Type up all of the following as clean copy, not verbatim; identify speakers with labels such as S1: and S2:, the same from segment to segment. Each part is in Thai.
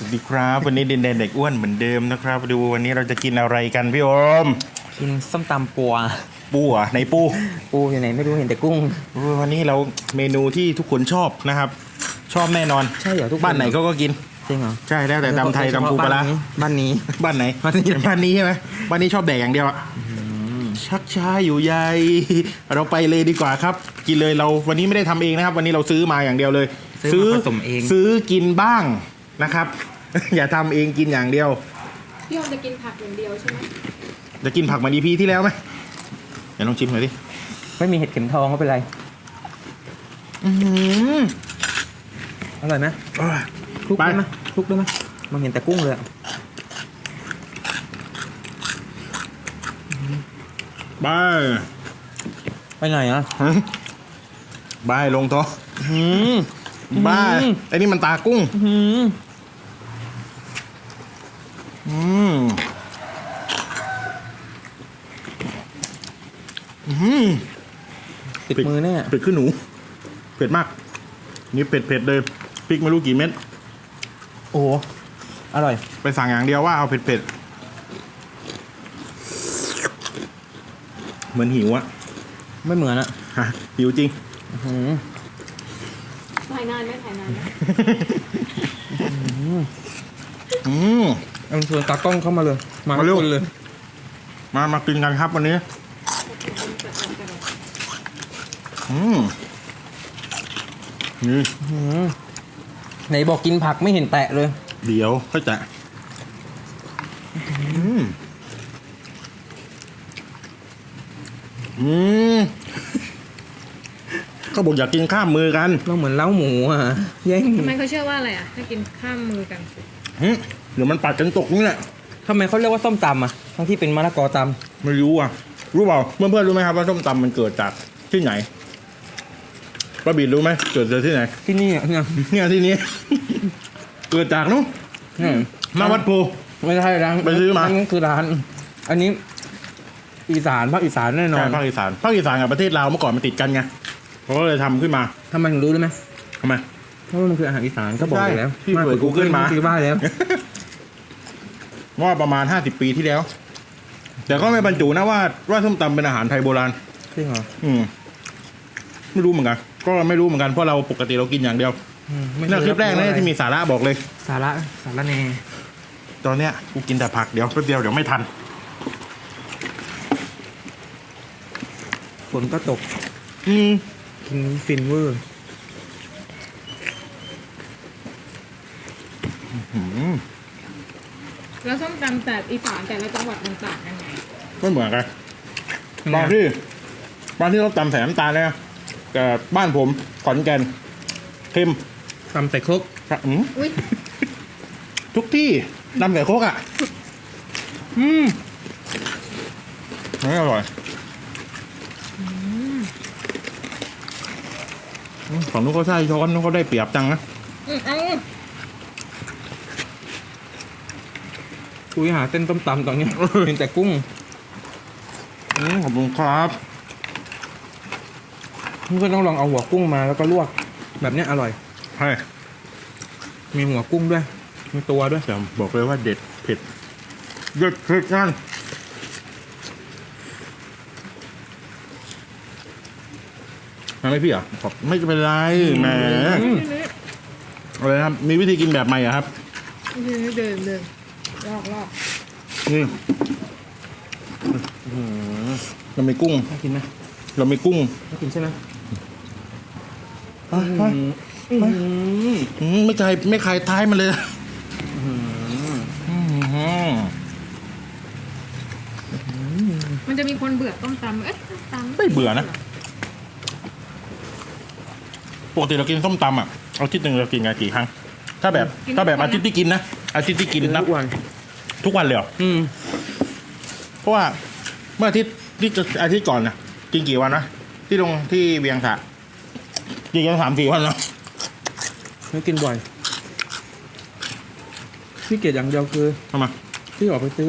S1: สวัสดีครับวันนี้ดินแดนเด็กอ้วนเหมือนเดิมนะครับดูวันนี้เราจะกินอะไรกันพี่โอม
S2: กินส้มตำปัว
S1: ปูอ่ะในปู
S2: อยู่ไหนไม่รู้เห็นแต่กุ้ง
S1: วันนี้เราเมนูที่ทุกคนชอบนะครับชอบแน่นอน
S2: ใช่เหรอทุก
S1: บ้านไหนก็กิน
S2: จริงเหรอ
S1: ใช่แล้วแต่ตำไทยตำปูปลา
S2: บ้านนี้
S1: บ้านไหนบ้านนี้ใช่ไหมบ้านนี้ชอบแดกอย่างเดียวอะชักช้าอยู่ใหญ่เราไปเลยดีกว่าครับกินเลยเราวันนี้ไม่ได้ทำเองนะครับวันนี้เราซื้อมาอย่างเดียวเลย
S2: ซื้อผสมเอง
S1: ซื้อกินบ้างนะครับ อย่าทำเองกินอย่างเดียว
S3: พี่โอมจะกินผักอย่างเดียวใช่ไหม
S1: จะกินผักเหมือน EP ที่แล้วไหมเดี๋ยวลองชิมหน่อยดิ
S2: ไม่มีเห็ดเข็มทองก็เป็นไรอร่อยไหมคลุกได้ไหมคลุกได้ไหมมันเห็นแต่กุ้งเลยไปไหนอ่ะ
S1: บายลงโต๊ะบ้าไอ้นี่มันตากุ้ง
S2: ติดมือแน่
S1: เผ็ดขึ้นหนูเผ็ดมากนี่เผ็ดเลยพริกไม่รู้กี่เม็ด
S2: โอ้อร่อย
S1: ไปสั่งอย่างเดียวว่าเอาเผ็ดเหมือนหิวอะ
S2: ไม่เหมือนอะ
S1: หิวจริง
S3: ถ่ายนานไหม
S2: เอาชวนตากล้องเข้ามาเลยมาเร็วเลย
S1: มากินกันครับวันนี้นี่
S2: ไหนบอกกินผักไม่เห็นแตะเลย
S1: เดี๋ยวค่อยแตะก็บอกอยากกินข้ามมือกัน
S2: เราเหมือนเล้าหมูอ่ะแย่ง
S3: ทำไมเขาเชื่อว่าอะไรอ่ะถ้ากินข้ามมือกัน
S1: เดี๋ยวมันปัดกันตกนี่แหละ
S2: ทำไมเขาเรียกว่าส้มตำอ่ะทั้งที่เป็นมะละกอต
S1: ำไม่รู้อ่ะรู้เปล่าเพื่อนๆรู้ไหมครับว่าส้มตำมันเกิดจากที่ไหนป้าบีรู้ไหมเกิดจากที่ไหน
S2: ที่นี่
S1: เนี่ยที่นี้เกิดจากนู้นมาวัดโพ
S2: ไม่ใช่ร้าน
S1: ไปซื้อมา
S2: อันนี้คือร้านอันนี้อีสานภาคอีสานแน่นอน
S1: ภาคอีสานกับประเทศลาวเมื่อก่อนมันติดกันไงเขาก็เลยทำขึ้นมา
S2: ทำไมถึงรู้ได้ไหม
S1: ทำไม
S2: เพราะมันคืออาหารอีสานก็บอกอยู่แล้ว
S1: พี่เปิด Google มา
S2: คือบ้าแล้ว
S1: ว่าประมาณ50 ปีที่แล้วแต่ก็ไม่บรรจุนะว่าส้มตำเป็นอาหารไทยโบราณ
S2: จริงเหรอ
S1: ไม่รู้เหมือนกันก็ไม่รู้เหมือนกันเพราะเราปกติเรากินอย่างเดียวนี่คลิปแรกนะที่มีสาระบอกเลย
S2: สาระแน่
S1: ตอนเนี้ยกูกินแต่ผักเดี๋ยวแป๊บเดียวเดี๋ยวไม่ทัน
S2: ฝนก็ตกกินฟินเวอร์
S3: แล้วส้มตำแต่อีสานแต่ละจังหวัดมันต่างกันไง
S1: ไม่เหมือนกันบางที่เขาตำใส่น้ำตาลเลยนะแต่บ้านผมขอนแก่นเค็ม
S2: ตำใส่ครก
S1: ทุกที่ตำใส่ครกอ่ะไม่อร่อยของนู้นเขาใช้ช้อนนู้นเขาได้เปรียบจังนะ
S2: คุยหาเส้นต้มตำตอนนี้เห็นแต่กุ้ง
S1: ขอบคุณครับ
S2: นี่ก็ต้องลองเอาหัวกุ้งมาแล้วก็ลวกแบบนี้อร่อย
S1: ใช่
S2: มีหัวกุ้งด้วยมีตัวด้วย
S1: แต่บอกเลยว่าเด็ดเผ็ดนั่นไม่พี่อ่ะไม่เป็นไรแหมอะไรครับมีวิธีกินแบบใหม่อ่ะครับ
S3: เดินลอก
S1: นี่เราไม่กุ้ง
S2: กินไหม
S1: เราไม่กุ้ง
S2: กินใช่ไหม
S1: ไม่คลายท้ายมันเลย
S3: มันจะมีคนเบื่อต้มตำ
S1: ไม่เบื่อนะปกติเรากินส้มตำอ่ะอาทิตย์หนึ่งเรากินกันกี่ครั้งถ้าแบบอาทิตย์ที่กินนะอาทิตย์ที่กินนับทุกวันเลยเหรอเพราะว่าเมื่ออาทิตย์ก่อนนะกินกี่วันนะที่ลงที่เวียงสะกินกัน3-4 วันแล้ว
S2: ไม่กินบ่อยพี่เกียรอย่างเดียวคือ
S1: ทำไม
S2: พี่ออกไปซื้อ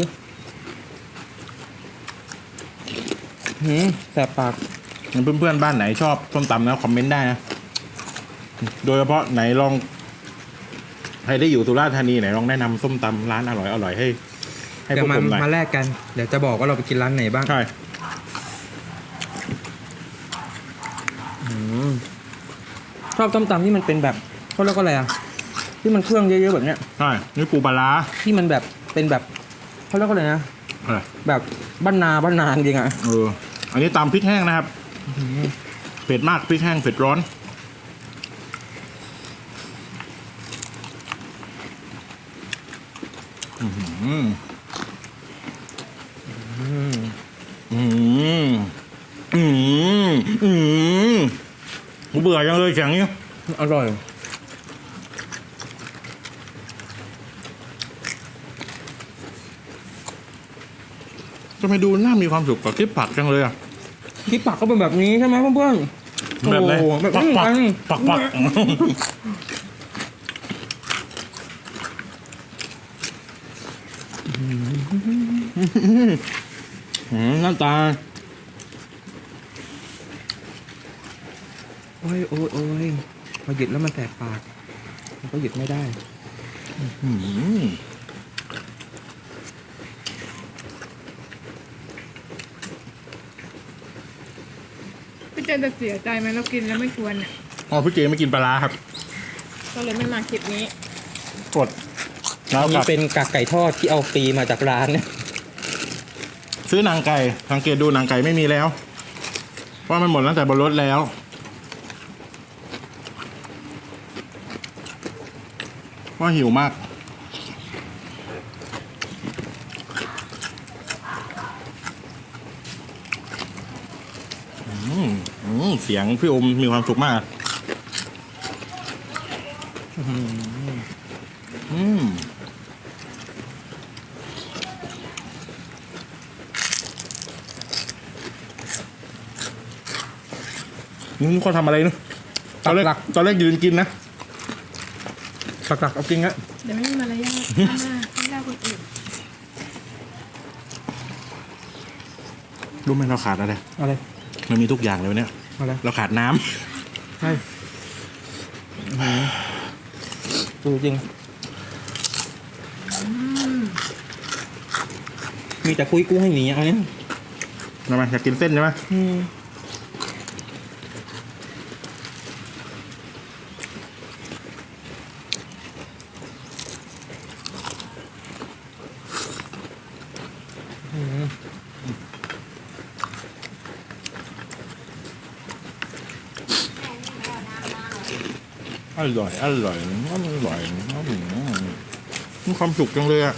S2: แสบปาก
S1: เพื่อนๆบ้านไหนชอบส้มตำนะคอมเมนต์ได้นะโดยเฉพาะไหนลองใครได้อยู่สุราษฎร์ธานีไหนลองแนะนำส้มตำร้านอร่อยให้พ
S2: เดี๋ยว ว
S1: กผมหน่อย
S2: มาแลกกัน เดี๋ยวจะบอกว่าเราไปกินร้านไหนบ้าง
S1: ใช่
S2: ชอบต้มตำที่มันเป็นแบบเขาเรียกว่าอะไรอะที่มันเครื่องเยอะๆแบบเนี้ย
S1: ใช่นี่ปูปลาร้า
S2: ที่มันแบบเป็นแบบเขาเรียกว่าอะไรนะ
S1: อะไร
S2: แบบบ้านนาจริงอะ
S1: อันนี้ตำพริกแห้งนะครับเผ็ดมากพริกแห้งเผ็ดร้อนอืมกูเบื่อจังเลยเสียงนี้
S2: อร่อย
S1: ทำไมดูน่ามีความสุขกับคลิปผักจังเลยอ่ะ
S2: ที่ปักก็เป็นแบบนี้ใช่ไหมเพื่อนๆ
S1: แบบไหน
S2: โอ้โหแบบ
S1: ปัก
S2: นี้
S1: ปัก
S2: กัน
S1: ปักปักหน้าตา
S2: โอ้ยพอหยุดแล้วมันแสบปากมันก็หยุดไม่ได้
S3: พี่เจนจะเสียใจไหมเรากินแล้วไม่ชวนเนี่ย
S1: อ๋อพี่เจไม่กินปลาร้าครับ
S3: ก็เลยไม่มาคลิปนี้
S1: กดแล้ว
S2: อัน
S1: ก
S2: นี้
S1: ลับ
S2: เป็นกากไก่ทอดที่เอาฟรีมาจากร้านเนี่ย
S1: ซื้อนางไก่สังเกตดูนางไก่ไม่มีแล้วว่ามันหมดตั้งแต่บนรถแล้วว่าหิวมากเสียงพี่อมมีความสุขมากนี่เขาทำอะไรนะตอนแรกยืนกินนะตักเอากินอะ
S3: เดี๋ยวไม่มีมารยาทข้างหน้าไม่ได้คนอื่น
S1: รู้ไหมเราขาดอะไร
S2: อะไร
S1: มันมีทุกอย่างเลยวันเนี้ย
S2: อะไร
S1: เราขาดน้ำ
S2: ใช่ดูจริง มีแต่คุยกุ้งให้หนีอันนี้
S1: ทำไมอยากกินเส้นใช่ไหม อร่อยมีความสุขจังเลยอ่ะ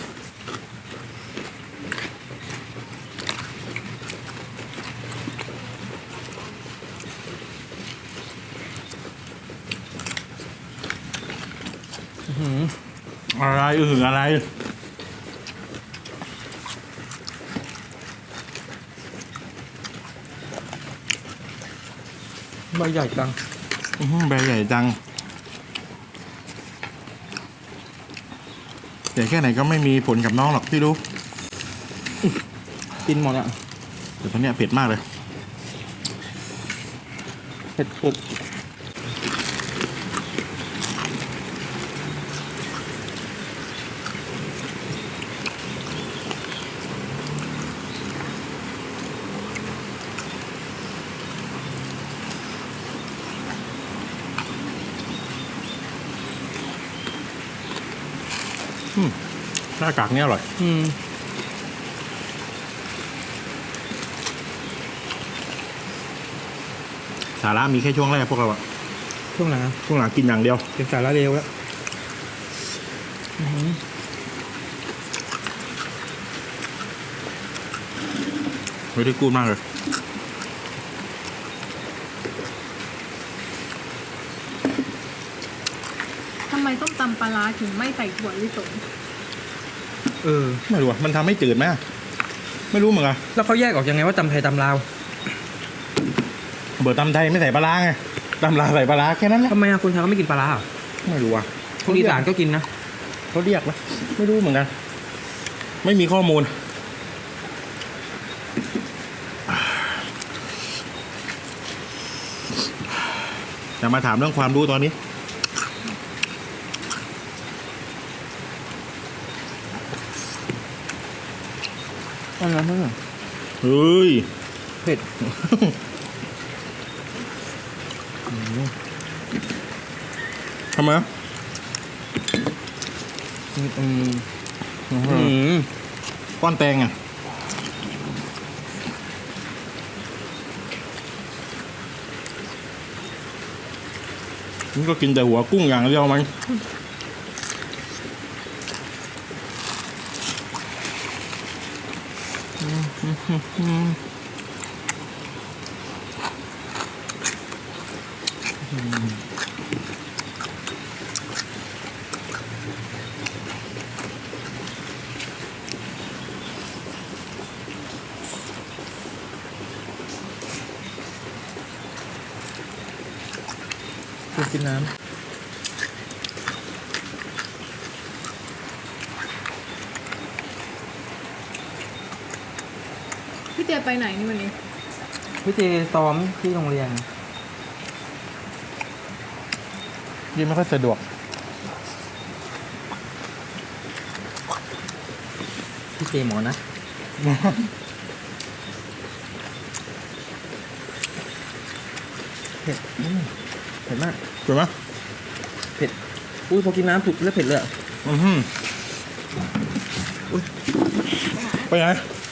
S1: อะไรอะไร
S2: ใบใหญ่จัง
S1: ใบใหญ่จังใหญ่แค่ไหนก็ไม่มีผลกับน้องหรอกพี่รู้
S2: กินหมดอ่ะ
S1: แต่ตอนเนี้ยเผ็ดมากเลย
S2: เผ็ดสุด
S1: หน้ากากเนี่ยอร่อยสาระมีแค่ช่วงแรกพวกเราอะ
S2: ช่วงไหนนะ
S1: ช่วงหลังกินอย่างเดียว
S2: เป็นสาระเร็วแล้ว
S1: ไม่ได้กูดมากเลย
S3: ทำไมต้มตำปลาร้าถึงไม่ใส่ถั่วลิสง
S1: ไม่รู้อะมันทำให้จืดไหมอะไม่รู้เหมือนกัน
S2: แล้วเขาแยกออกยังไงว่าตำไทยตำลาว
S1: เบอร์ตำไทยไม่ใส่ปลาร้าไงตำลาวใส่ปลาร้าแค่นั้นแหละ
S2: ทำไมอะคนไทยเขาไม่กินปลาร้าอะ
S1: ไม่รู้อะ
S2: คนอีสานก็กินนะ
S1: เขาเรียกไหมไม่รู้เหมือนกัน ไม่มีข้อมูลจะมาถามเรื่องความรู้ตอนนี้
S2: อันนั้นนั่นน่ะ
S1: เฮ้ย
S2: เผ็ด
S1: ทำไม ก้อนแตงอ่ะมันก็กินแต่หัวกุ้งอย่างเดียวมัน
S2: กินน้
S3: พี่เจไปไหนนี่วันนี้
S2: ำพี่เจซ้อมที่โรงเรียน
S1: ยิ่งไม่ค่อยสะดวก
S2: พี่เจหมอนะเผ็ดเผ็ดมาก
S1: ถูกไหม
S2: เผ็ดอุ้ยพอกินน้ำถูกแล้วเผ็ดเลยอะ
S1: อือหือไปไหน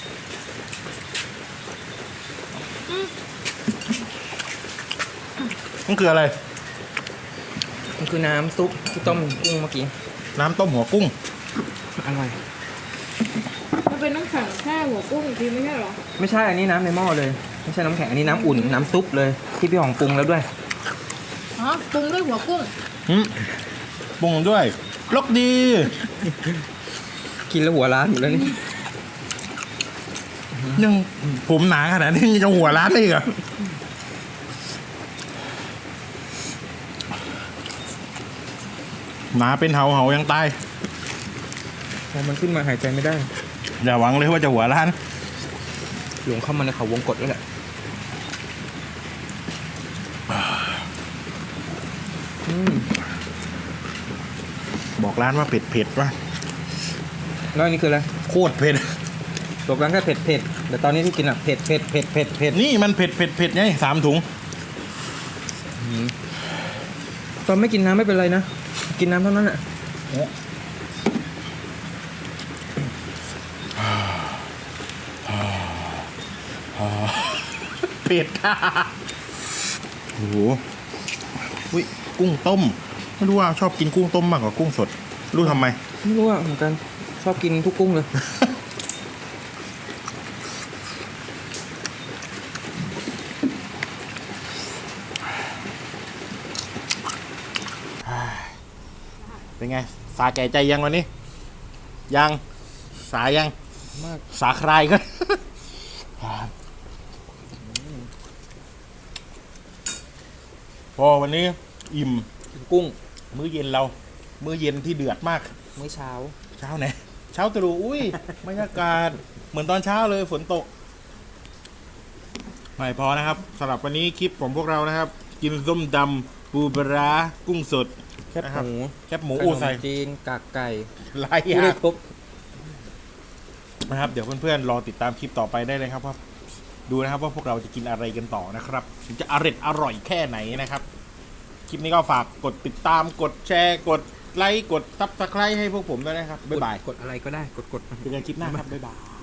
S1: มันคืออะไร
S2: มันคือน้ำซุปที่ต้มกุ้งเมื่อกี้
S1: น้ำต้มหัวกุ้ง
S2: อร่อย
S3: มันเป็นน้ำแข็งแช่หัวกุ้งอีกทีไม่ใช่เหรอ
S2: ไม่ใช่อันนี้น้ำในหม้อเลยไม่ใช่น้ำแข็งอันนี้น้ำอุ่นน้ำซุปเลยที่พี่หองปรุงแล้วด้วย
S3: อ๋อปรุงด้วยหัวกุ้ง
S1: ปรุงด้วยลกดี
S2: กินแล้วหัวร้านอยู่แล้วนี่
S1: ยังผมหนาขนาดนี้ยังจะหัวร้านได้อีกเหรอหนาเป็นเหายังตาย
S2: พอมันขึ้นมาหายใจไม่ได้
S1: อย่าหวังเลยว่าจะหัวร้าน
S2: หลงเข้ามาในเขาวงกตแล้วแหละ
S1: บอกร้านว่าเผ็ดว่ะ
S2: แล้วอันนี้คืออะไร
S1: โคตรเผ็ด
S2: บอกร้านแค่เผ็ดแต่ตอนนี้ที่กินอ่ะเผ็ด
S1: นี่มันเผ็ดไง3 ถุง
S2: ตอนไม่กินน้ำไม่เป็นไรนะกินน้ำเท่านั้นอ่ะ
S1: เผ็ดโอ้โหอุ้ยกุ้งต้มไม่รู้ว่าชอบกินกุ้งต้มมากกว่ากุ้งสด รู้ทำไม
S2: ไม่รู้อ่ะเหมือนกันชอบกินทุกกุ้งเลย
S1: เป็นไง สาแก่ใจยังวันนี้ ยังสายัง
S2: มาก
S1: สาคลายก็ พอวันนี้อิ่ม
S2: กินกุ้ง
S1: มื้อเย็นเรา มื้อเย็นที่เดือดมาก
S2: มื้อเช้า
S1: เช้าไหน เช้าตรู่อุ้ย บรรยากาศเหมือนตอนเช้าเลยฝนตก ไม่พอนะครับสำหรับวันนี้คลิปของพวกเรานะครับ กินส้มดำปูปลาร้ากุ้งสด
S2: แคบหมู
S1: แคบหมู
S2: ข
S1: อู
S2: นม
S1: ใส่
S2: จีนกากไก่
S1: ลาย
S2: พูด
S1: ยา
S2: ได้
S1: ก
S2: ครบ
S1: นะครับ เดี๋ยวเพื่อนๆรอติดตามคลิปต่อไปได้เลยครับว่าดูนะครับว่าพวกเราจะกินอะไรกันต่อนะครับถึงจะอร่อยแค่ไหนนะครับ คลิปนี้ก็ฝากกดติดตามกดแชร์กดไลค์กดซับสไครต์ให้พวกผมด้วยนะครับบ๊ายบาย
S2: กดอะไรก็ได้กด
S1: เจอกันคลิปหน้าครับบ๊ายบาย